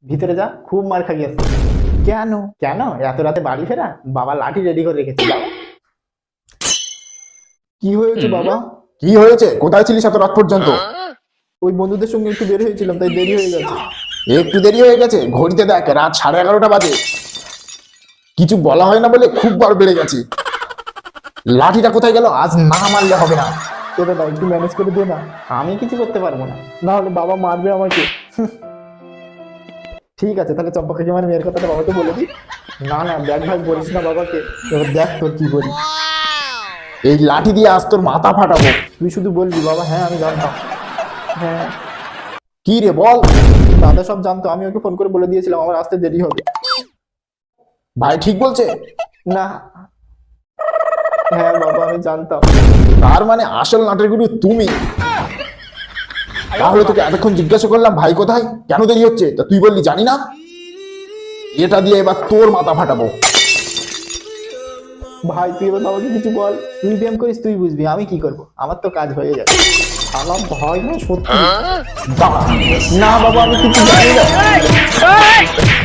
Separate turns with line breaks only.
ভিতরে যা, খুব মার খাইয়ে আসছে। কেন কেন এত রাতে বাড়ি ফেরা? বাবা লাঠি রেডি করে রেখেছে, যাও। কি হয়েছে বাবা?
কি হয়েছে? কোথায় ছিলিস এত রাত পর্যন্ত?
ওই বন্ধুদের সঙ্গে একটু বের হয়েছিলাম, তাই দেরি হয়ে গেছে।
একটু দেরি হয়ে গেছে? ঘড়িতে দেখ রাত 11:30 বাজে। কিছু বলা হয় না বলে খুব বার বেড়ে গেছে। লাঠিটা কোথায় গেল? আজ না মারলে হবে না।
এটা দাও, একটু ম্যানেজ করে দে না। আমি কিছু করতে পারবো না, না হলে বাবা মারবে আমাকে। ঠিক আছে, তাহলে চম্পা কাকিমার মেয়ের কথাটা বাবাকে বলে দিই। না না, ব্যাগ ভাগ বলিস না বাবাকে, এবার দেখ তোর কি করি।
এই লাঠি দিয়ে আজ তোর মাথা ফাটাবো।
তুই শুধু বলবি বাবা, হ্যাঁ আমি জানতাম। হ্যাঁ,
কি রে বল।
দাদা সব জানতো, আমি ওকে ফোন করে বলে দিয়েছিলাম আমার আসতে দেরি হবে।
ভাই ঠিক বলছে?
না, হ্যাঁ বাবা আমি জানতাম।
তার মানে আসল নাটের গুরু তুমি। তাহলে তোকে এতক্ষণ জিজ্ঞাসা করলাম ভাই কোথায়, কেন দেরি হচ্ছে, তা তুই বললি জানি না। এটা দিয়ে এবার তোর মাথা ফাটাবো।
ভাই তুই এবার বাবাকে কিছু বল, তুই ব্যায়াম করিস, তুই বুঝবি আমি কি করব, আমার তো কাজ হয়ে যাবে। আমার ভয় না সত্যি।
দাঁড়া।
না বাবা, আমি কিছু জানি না।